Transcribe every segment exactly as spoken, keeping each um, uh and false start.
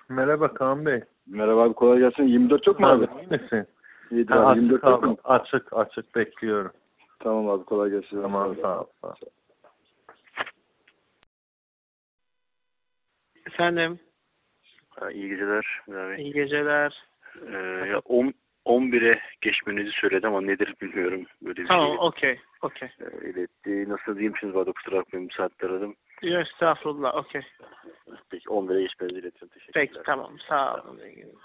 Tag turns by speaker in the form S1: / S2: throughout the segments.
S1: Merhaba Kaan Bey.
S2: Merhaba abi, kolay gelsin. yirmi dört yok mu abi?
S1: İyi misin?
S2: İyidir
S1: Ha,
S2: abi.
S1: açık
S2: yirmi dört yok
S1: abi.
S2: mu?
S1: Açık açık bekliyorum.
S2: Tamam abi, kolay gelsin.
S1: Tamam, sağ ol. Sağ ol.
S3: Efendim,
S4: Ha, İyi geceler. Abi.
S3: iyi geceler.
S4: Ee, ya on, on bire geçmenizi söyledi ama nedir bilmiyorum. Böyle bir
S3: Tamam,
S4: şey
S3: okey, okey.
S4: e, iletti. Nasıl diyeyim şimdi, bana kusura bakmayın, bu saatte aradım.
S3: Yok, estağfurullah, okey.
S4: Peki on bire geçmenizi iletiyorum. Teşekkürler.
S3: Peki, tamam, sağ olun.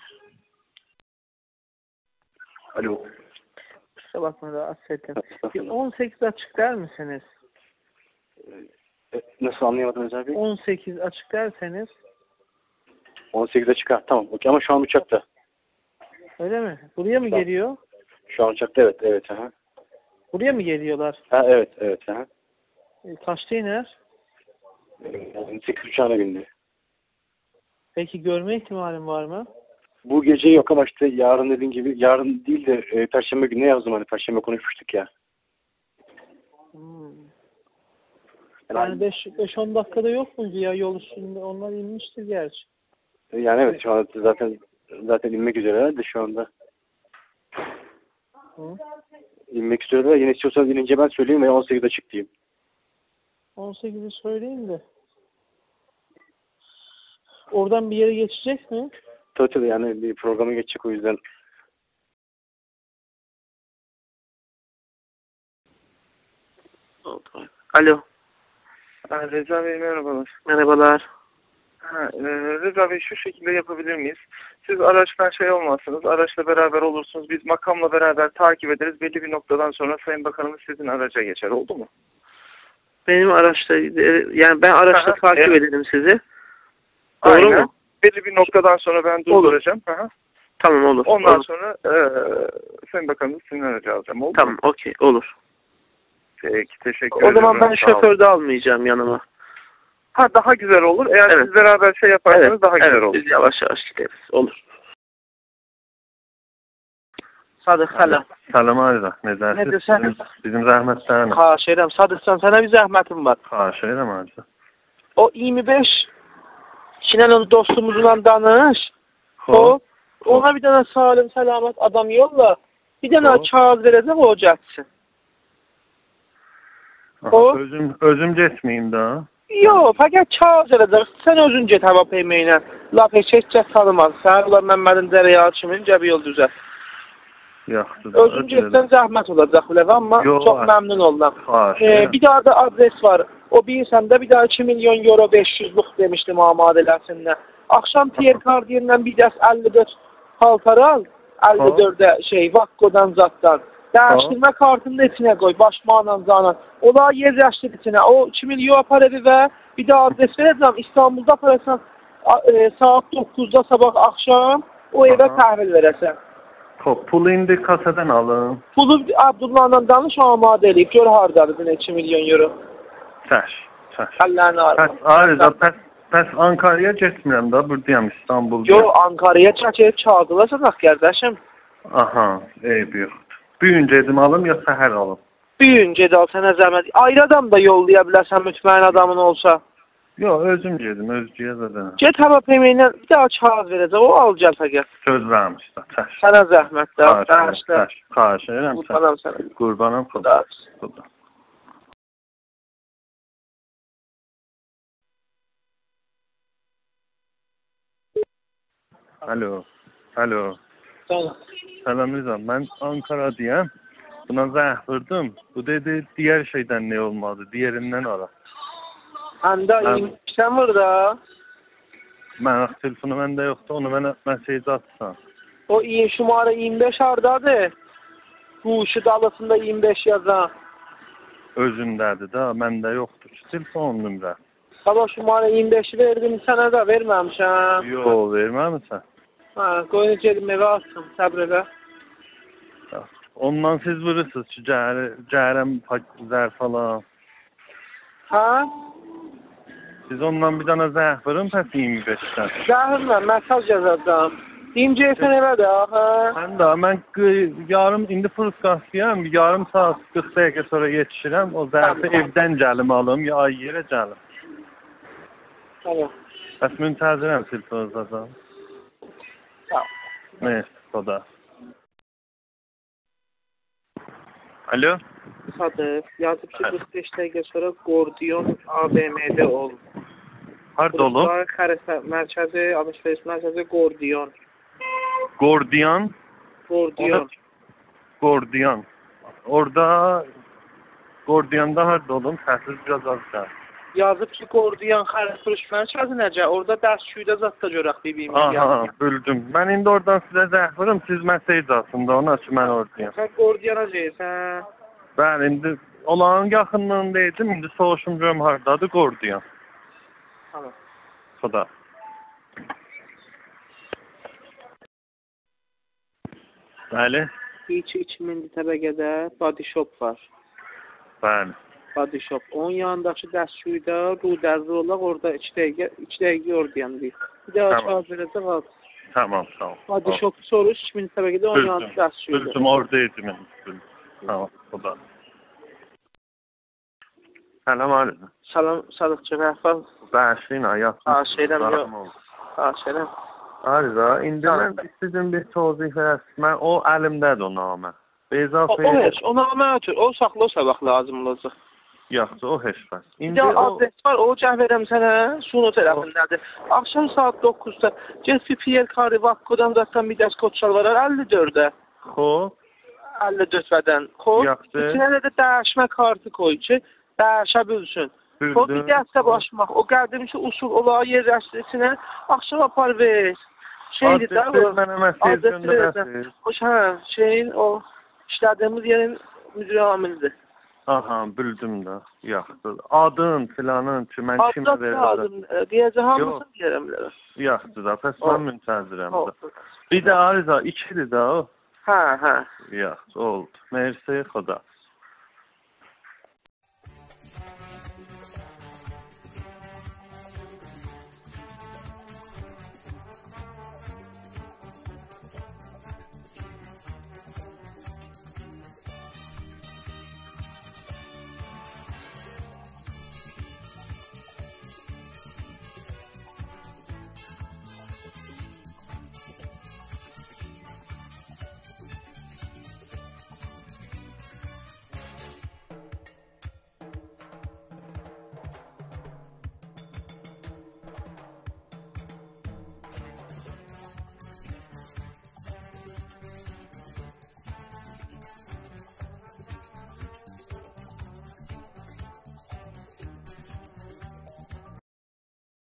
S4: Alo.
S3: Kusura bakma, rahatsız ettim. Bir on sekiz açık der misiniz?
S4: E, nasıl anlayamadınız abi?
S3: on sekiz açık derseniz.
S4: on sekize çıkar. Tamam. Okey, ama şu an uçakta.
S3: Öyle mi? Buraya mı
S4: Tamam.
S3: geliyor?
S4: Şu an uçakta, evet. Evet. Aha.
S3: Buraya mı geliyorlar?
S4: Ha, evet. Evet. Aha.
S3: E, kaçta iner?
S4: Yani sekiz uçağına bindi.
S3: Peki görme ihtimalim var mı?
S4: Bu gece yok ama işte yarın dediğin gibi, yarın değil de e, Perşembe gününe yazdım, hani Perşembe konuşmuştuk ya.
S3: Hmm.
S4: Yani,
S3: Yani beş on dakikada yok muydu ya yol üstünde? Onlar inmiştir gerçi.
S4: yani evet, şu an zaten zaten inmek üzereler de şu anda.
S3: Hı?
S4: İnmek üzereler. Yine istiyorsanız inince ben söyleyeyim veya on sekizde çık diyeyim.
S3: on sekizi söyleyeyim de. Oradan bir yere geçecek mi?
S4: Tabii tabii, yani bir programa geçecek, o yüzden.
S3: Alo.
S5: Ha, Reza Bey merhabalar.
S3: Merhabalar.
S5: Ha, e, Reza Bey, şu şekilde yapabilir miyiz? Siz araçtan şey olmazsınız, araçla beraber olursunuz. Biz makamla beraber takip ederiz. Belli bir noktadan sonra Sayın Bakanımız sizin araca geçer. Oldu mu?
S3: Benim araçta, yani ben araçta
S5: Aha,
S3: takip
S5: evet.
S3: ederim sizi. Doğru
S5: Aynen.
S3: mu?
S5: Belli bir noktadan sonra ben durduracağım. Aha.
S3: Tamam, olur.
S5: Ondan
S3: olur.
S5: sonra e, Sayın Bakanımız sizin aracı alacağım. Oldu
S3: Tamam,
S5: mu?
S3: okey, olur.
S5: Peki, teşekkür
S3: O
S5: ederim.
S3: zaman ben
S5: Sağ olun.
S3: şoför de almayacağım yanıma.
S5: Ha, daha güzel olur. Eğer
S3: Evet.
S5: siz beraber şey yaparsanız
S3: Evet,
S5: daha güzel
S3: evet,
S5: olur.
S3: biz yavaş yavaş gideriz. Olur. Sadık, selam.
S1: Salam Arda. Nedir?
S3: Nedir sen?
S1: Bizim, bizim zahmetlerin.
S3: Xahiş edirəm. Sadıqsan, sana bir zəhmətim var.
S1: Xahiş ederim Arda.
S3: O iyirmi beş Şinan'ın dostumuzla danış.
S1: Hop.
S3: O, ona bir tane salim, selamet adam yolla. Bir tane
S1: Hop.
S3: kağıt verəcək, o getsin.
S1: Aha,
S3: Hop.
S1: Özüm, özüm getmeyeyim daha.
S3: Yox, fəqət kağıt verəcək. Sən özün get hava peyməyinə. Laf heç heç tanımaz. Sən ulan Məmmədin Dərəyalı kimin cəbi yol düzəl.
S1: Yaxşı.
S3: Özün getsən zəhmət olacaq biləv, amma
S1: Yox,
S3: çox
S1: var.
S3: məmnun oldum.
S1: Xahiş
S3: Ee,
S1: ederim.
S3: bir daha da adres var. O bilirsən də bir daha iki milyon euro beş yüzlük demişdim amadələsinə. Akşam Pierre Cardin'den bir dəst əlli dörd paltar al. əlli dördə şey, Vakko'dan zatdan. Dəyişdirmə kartını da içinə qoy, başmaqla zanan. Ola yer yaşdır içinə. O iki milyon apar evi və bir daha adres verəcəm. İstanbulda aparırsan e, saat doqquzda sabah akşam o evə təhvil verəsən.
S1: Hop, pulu indi kasadan alın.
S3: Pulu Abdullah'la danış, amadə eləyib. Gör hardadır iki milyon euro.
S1: Çəş, çəş.
S3: Əllərini
S1: Pəs,
S3: arma.
S1: Arda, pəs, pəs Ankara'ya getmirəm da, buradayım İstanbul'da.
S3: Yo, Ankara'ya çəkib çağırılacaq qardaşım.
S1: Aha, eyb yoxdur. Büyünce edim alım ya səhər alım?
S3: Büyün gedal sənə zəhmət. Ayrı adam da yollaya bilərsən mütməyin adamın olsa.
S1: Yox, özüm gedim, özcüyə zaten.
S3: Get hava peyməyinə bir daha kağıt verəcək, o alacaq fəqət.
S1: Söz vermiş da, çəş.
S3: Sənə zəhmət də.
S1: Xahiş edirəm, çəş. Xahiş edirəm, çəş.
S3: Qurbanam sənə.
S1: Qurbanam,
S3: Xuda.
S1: xuda. Alo, alo.
S3: Sənə.
S1: Selam Rıza, ben Ankara diyem. Buna zəh vurdum. Bu dedi diğer şeyden ne olmadı, diğerinden ara.
S3: Həndə iymişsən burada.
S1: Mən telefonu məndə yoxdur, onu mənə mesaj atsan.
S3: O iyi şumarı iyirmi beş hardadır. Bu şu dalısında iyirmi beş yazan.
S1: Özündədir də, məndə yoxdur ki, telefon nömrə.
S3: Sabah şumarı iyirmi beşi verdim, sənə də verməmişəm.
S1: Yox, verməmisən.
S3: Ha, qoyun gedim evə atsın, səbr elə.
S1: Ondan siz vurursunuz ki, cəhərəm zər falan.
S3: Ha?
S1: Siz ondan bir dana zəh vurun, pəs iyirmi beşdən.
S3: Zəhirlə, mesaj yazacağım. Deyim gelsən evə də, ha?
S1: Mən də, mən yarım, indi Fırskasıyam, yarım saat qırx dəqiqə sonra yetişirəm. O zərfi evdən gəlim alım, ya yerə gəlim.
S3: Tamam.
S1: Bəs müntəzirəm telefonunuzdan.
S3: Sağ ol.
S1: Neyse, Xoda. Alo?
S3: Sadıq, yazıb ki, qırx beş dəqiqə sonra Gordiyon A B M-də ol.
S1: Harda olub?
S3: Burası xərəsə mərkəzi, alış-veriş mərkəzi Gordiyon.
S1: Gordiyan.
S3: Gordiyon.
S1: Gordiyan. Orada Gordiyanda harda olum? Səsiz biraz az gəl.
S3: Yazıb ki, Gordiyon xərəsə mərkəzi necə? Orada dərsçüydə zat da görək bibimiz
S1: Aha,
S3: yazıb.
S1: bildim. Mən indi oradan sizə zəng vururum, siz mesaj aslında ona ki, mən oradayım.
S3: Sən Gordiyona deyirsən?
S1: Ben indi olağın yaxınlığındaydım, indi soruşum görüm hardadır Gordiyan.
S3: Tamam.
S1: Xoda. Bəli,
S3: İki iki min təbəqədə body shop var.
S1: bəli.
S3: Body shop. Onun yanındakı dərsçüydə Rudəzli olaq, orada iki dəqiqə, iki dəqiqə oradan deyil. Bir daha
S1: Tamam.
S3: çağır verəcək al.
S1: Tamam, sağ ol.
S3: Body
S1: Sağ ol.
S3: shop soruş, iki min təbəqədə onun yanında
S1: Bildim,
S3: dərsçüydə.
S1: bildim, oradaydım indi. Bildim. Tamam, Xoda. Səlam aleyküm.
S3: Salam, Sadıqçı Rəhfaz.
S1: Bəşin, ayaq.
S3: Ha, şeydən yox. Ha, şeydən.
S1: Arıza, indi
S3: Tamam.
S1: mən sizin bir tozih verəsin. Mən o əlimdədir o namə. Beyza
S3: O, o heç, o namə ötür, o saxla o sabah lazım olacaq.
S1: Yaxşı, o heç bəs.
S3: Bir
S1: İndi
S3: də
S1: o...
S3: adres var, o cəh verəm sənə, Suno tərəfindədir. Axşam saat doqquzda get bir Pierre Carri Vakkodan zaten bir dəst kod çalvarar, əlli dördə.
S1: Xo,
S3: əlli dörd vədən kod.
S1: Yaxşı.
S3: İçinə də dəyişmə kartı koy ki, dəyişə bilsin. O bir dəstə başmaq, o qədimki usul olağı yerləşdirsinə, axşam apar ver. Şeydir də,
S1: adres mənə mesaj
S3: adresi
S1: göndərəsiniz.
S3: O hə, şeyin, o işlədiyimiz yerin müdür amilidir.
S1: Aha, bildim də. Yaxşı. Adın, filanın ki, mən kimə
S3: Adres
S1: verirəm.
S3: lazım, deyəcək hamısını
S1: Yox.
S3: deyərəm bilərəm.
S1: Yaxşı da, pəs
S3: O.
S1: mən müntəzirəm də.
S3: Oldu.
S1: Bir də Arıza, ikidir də o.
S3: Hə, hə.
S1: Yaxşı, oldu. Mersi, Xoda.